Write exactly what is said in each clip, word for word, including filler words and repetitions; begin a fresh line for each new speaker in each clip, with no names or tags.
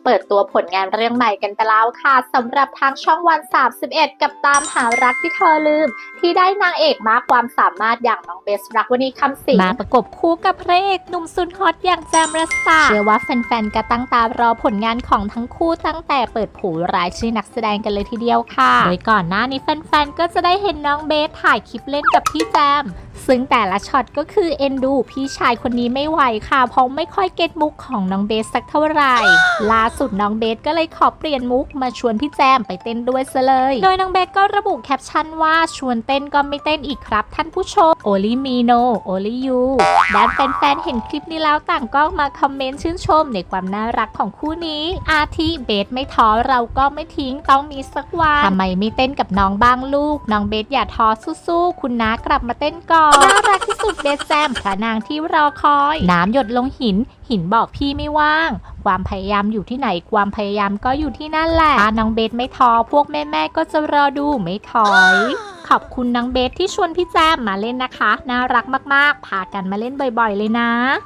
เปิดตัวผลงานเรื่องใหม่กันไปแล้วค่ะสำหรับทางช่องวันสามสิบเอ็ดกับตามหารักที่เธอลืมที่ได้นางเอกมากความสามารถอย่างน้องเบสรักวณีคำสิงห์มาประกบคู่กับพระเอกหนุ่มสุดฮอตอย่างแจมรัสตาเชื่อว่าแฟนๆก็ตั้งตารอผลงานของทั้งคู่ตั้งแต่เปิดเผยรายชื่อนักแสดงกันเลยทีเดียวค่ะโดยก่อนหน้านี้แฟนๆก็จะได้เห็นน้องเบสถ่ายคลิปเล่นกับพี่แจมซึ่งแต่ละช็อตก็คือเอ็นดูพี่ชายคนนี้ไม่ไหวค่ะเพราะไม่ค่อยเก็ตมุกของน้องเบสสักเท่าไหร่ล่าสุดน้องเบสก็เลยขอเปลี่ยนมุกมาชวนพี่แจมไปเต้นด้วยซะเลยโดยน้องเบสก็ระบุแคปชั่นว่าชวนเต้นก็ไม่เต้นอีกครับท่านผู้ชม Only me no only you ด้านแฟนๆเห็นคลิปนี้แล้วต่างก็มาคอมเมนต์ชื่นชมในความน่ารักของคู่นี้อาทิเบสไม่ท้อเราก็ไม่ทิ้งต้องมีสักวันทำไมไม่เต้นกับน้องบ้างลูกน้องเบสอย่าท้อสู้ๆคุณน้ากลับมาเต้นก่อนน่ารักที่สุดเบสแจมพระนางที่รอคอยน้ำหยดลงหินหินบอกพี่ไม่ว่างความพยายามอยู่ที่ไหนความพยายามก็อยู่ที่นั่นแหละถ้าน้องเบสไม่ท้อพวกแม่ๆก็จะรอดูไม่ถอยขอบคุณน้องเบสที่ชวนพี่แจมมาเล่นนะคะน่ารักมากๆพากันมาเล่นบ่อยๆเลยนะ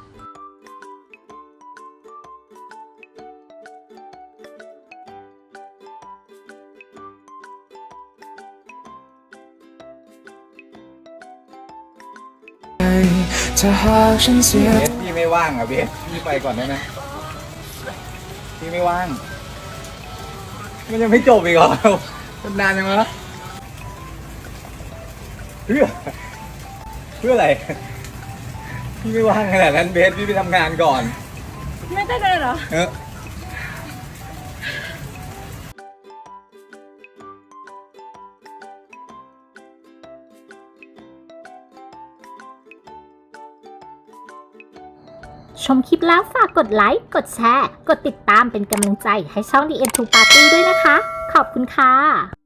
ถ้าหากฉันเสีย
เบสพี่ไม่ว่างอ่ะเบสพี่ไปก่อนได้ไหมพี่ไม่ว่างมันยังไม่จบอีกเหรอมันนานยังวะเพื่อเพื่ออะไรพี่ไม่ว่างขนาดนั้นเบสพี่ไปทำงานก่อน
ไม่ได้เลยเหรอ
เออ
ชมคลิปแล้วฝากกดไลค์ กดแชร์ กดติดตามเป็นกำลังใจให้ช่อง ดี เอ็ม ทู Party ด้วยนะคะ ขอบคุณค่ะ